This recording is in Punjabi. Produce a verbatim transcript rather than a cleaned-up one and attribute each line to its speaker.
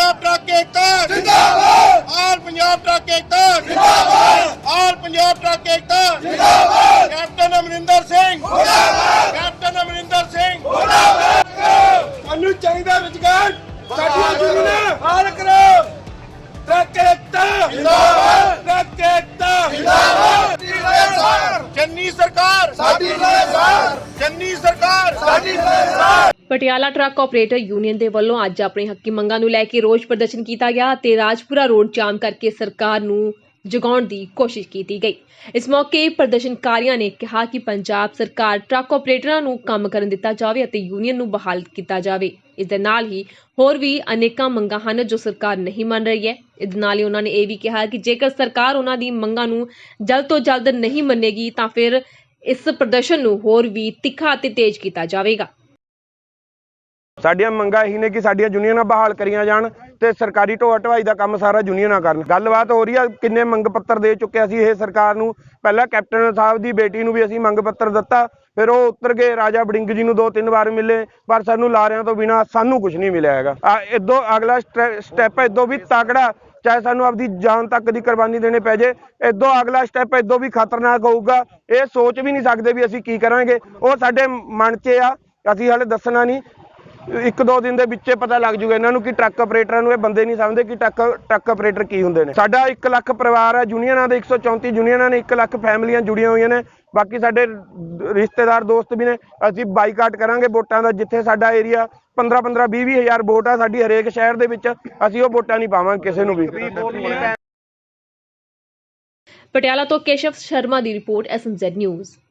Speaker 1: पंजाब ट्रक एकता जिंदाबाद, ऑल पंजाब ट्रक एकता जिंदाबाद, ऑल पंजाब ट्रक एकता जिंदाबाद, कैप्टन अमरिंदर सिंह जिंदाबाद, कैप्टन अमरिंदर सिंह जिंदाबाद। सानू चाहिदा रोजगार, साडियां जमीनां हाल करो। ट्रक एकता जिंदाबाद, ट्रक एकता जिंदाबाद। चन्नी सरकार साडी सरकार, चन्नी सरकार साडी सरकार।
Speaker 2: ਪਟਿਆਲਾ ਟਰੱਕ ਆਪਰੇਟਰ ਯੂਨੀਅਨ ਦੇ ਵੱਲੋਂ ਅੱਜ ਆਪਣੀ ਹੱਕੀ ਮੰਗਾਂ ਨੂੰ ਲੈ ਕੇ ਰੋਸ ਪ੍ਰਦਰਸ਼ਨ ਕੀਤਾ ਗਿਆ ਤੇ ਰਾਜਪੁਰਾ ਰੋਡ ਜਾਮ ਕਰਕੇ ਸਰਕਾਰ ਨੂੰ ਜਗਾਉਣ ਦੀ ਕੋਸ਼ਿਸ਼ ਕੀਤੀ ਗਈ। ਇਸ ਮੌਕੇ ਪ੍ਰਦਰਸ਼ਨਕਾਰੀਆਂ ਨੇ ਕਿਹਾ ਕਿ ਪੰਜਾਬ ਸਰਕਾਰ ਟਰੱਕ ਆਪਰੇਟਰਾਂ ਨੂੰ ਕੰਮ ਕਰਨ ਦਿੱਤਾ ਜਾਵੇ ਅਤੇ ਯੂਨੀਅਨ ਨੂੰ ਬਹਾਲ ਕੀਤਾ ਜਾਵੇ। ਇਸ ਦੇ ਨਾਲ ਹੀ ਹੋਰ ਵੀ ਅਨੇਕਾਂ ਮੰਗਾਂ ਹਨ ਜੋ ਸਰਕਾਰ ਨਹੀਂ ਮੰਨ ਰਹੀ ਹੈ। ਇਸ ਨਾਲ ਹੀ ਉਹਨਾਂ ਨੇ ਇਹ ਵੀ ਕਿਹਾ ਕਿ ਜੇਕਰ ਸਰਕਾਰ ਉਹਨਾਂ ਦੀ ਮੰਗਾਂ ਨੂੰ ਜਲਦ ਤੋਂ ਜਲਦ ਨਹੀਂ ਮੰਨੇਗੀ ਤਾਂ ਫਿਰ ਇਸ ਪ੍ਰਦਰਸ਼ਨ ਨੂੰ ਹੋਰ ਵੀ ਤਿੱਖਾ ਅਤੇ ਤੇਜ਼ ਕੀਤਾ ਜਾਵੇਗਾ।
Speaker 3: ਸਾਡੀਆਂ ਮੰਗਾਂ ਇਹੀ ਨੇ ਕਿ ਸਾਡੀਆਂ ਯੂਨੀਅਨਾਂ ਬਹਾਲ ਕਰੀਆਂ ਜਾਣ ਤੇ ਸਰਕਾਰੀ ਢੋਆ ਢਵਾਈ ਦਾ ਕੰਮ ਸਾਰਾ ਯੂਨੀਅਨਾਂ ਕਰਨ। ਗੱਲਬਾਤ ਹੋ ਰਹੀ ਆ, ਕਿੰਨੇ ਮੰਗ ਪੱਤਰ ਦੇ ਚੁੱਕੇ ਅਸੀਂ ਇਹ ਸਰਕਾਰ ਨੂੰ। ਪਹਿਲਾਂ ਕੈਪਟਨ ਸਾਹਿਬ ਦੀ ਬੇਟੀ ਨੂੰ ਵੀ ਅਸੀਂ ਮੰਗ ਪੱਤਰ ਦਿੱਤਾ, ਫਿਰ ਉਹ ਉੱਤਰ ਗਏ, ਰਾਜਾ ਵੜਿੰਗ ਜੀ ਨੂੰ ਦੋ ਤਿੰਨ ਵਾਰ ਮਿਲੇ, ਪਰ ਸਾਨੂੰ ਲਾਰਿਆਂ ਤੋਂ ਬਿਨਾਂ ਸਾਨੂੰ ਕੁਝ ਨਹੀਂ ਮਿਲਿਆ ਹੈਗਾ। ਇਦੋਂ ਅਗਲਾ ਸਟੈਪ ਇਦੋਂ ਵੀ ਤਕੜਾ, ਚਾਹੇ ਸਾਨੂੰ ਆਪਦੀ ਜਾਨ ਤੱਕ ਦੀ ਕੁਰਬਾਨੀ ਦੇਣੀ ਪੈ ਜੇ, ਇਦੋਂ ਅਗਲਾ ਸਟੈਪ ਇਦੋਂ ਵੀ ਖਤਰਨਾਕ ਹੋਊਗਾ। ਇਹ ਸੋਚ ਵੀ ਨਹੀਂ ਸਕਦੇ ਵੀ ਅਸੀਂ ਕੀ ਕਰਾਂਗੇ, ਉਹ ਸਾਡੇ ਮਨ 'ਚ ਆ, ਅਸੀਂ ਹਾਲੇ ਦੱਸਣਾ ਨਹੀਂ। ਇੱਕ ਦੋ ਦਿਨ ਦੇ ਵਿੱਚ ਪਤਾ ਲੱਗ ਜੂਗਾ ਇਹਨਾਂ ਨੂੰ ਕਿ ਟਰੱਕ ਆਪਰੇਟਰਾਂ ਨੂੰ ਇਹ ਬੰਦੇ ਨਹੀਂ ਸਮਝਦੇ ਕਿ ਟਰੱਕ ਟਰੱਕ ਆਪਰੇਟਰ ਕੀ ਹੁੰਦੇ ਨੇ। ਸਾਡਾ ਇੱਕ ਲੱਖ ਪਰਿਵਾਰ ਹੈ, ਯੂਨੀਅਨਾਂ ਦੇ ਇੱਕ ਸੌ ਚੌਂਤੀ ਯੂਨੀਅਨਾਂ ਨੇ, ਇੱਕ ਲੱਖ ਫੈਮਲੀਆਂ ਜੁੜੀਆਂ ਹੋਈਆਂ ਨੇ, ਬਾਕੀ ਸਾਡੇ ਰਿਸ਼ਤੇਦਾਰ ਦੋਸਤ ਵੀ ਨੇ। ਅਸੀਂ ਬਾਈਕਾਟ ਕਰਾਂਗੇ ਵੋਟਾਂ ਦਾ, ਜਿੱਥੇ ਸਾਡਾ ਏਰੀਆ ਪੰਦਰਾਂ ਪੰਦਰਾਂ ਵੀਹ ਵੀਹ ਹਜ਼ਾਰ ਵੋਟ ਆ ਸਾਡੀ ਹਰੇਕ ਸ਼ਹਿਰ ਦੇ ਵਿੱਚ, ਅਸੀਂ ਉਹ ਵੋਟਾਂ ਨਹੀਂ ਪਾਵਾਂਗੇ ਕਿਸੇ ਨੂੰ ਵੀ।
Speaker 2: ਪਟਿਆਲਾ ਤੋਂ ਕੇਸ਼ਵ ਸ਼ਰਮਾ ਦੀ report, S M Z news.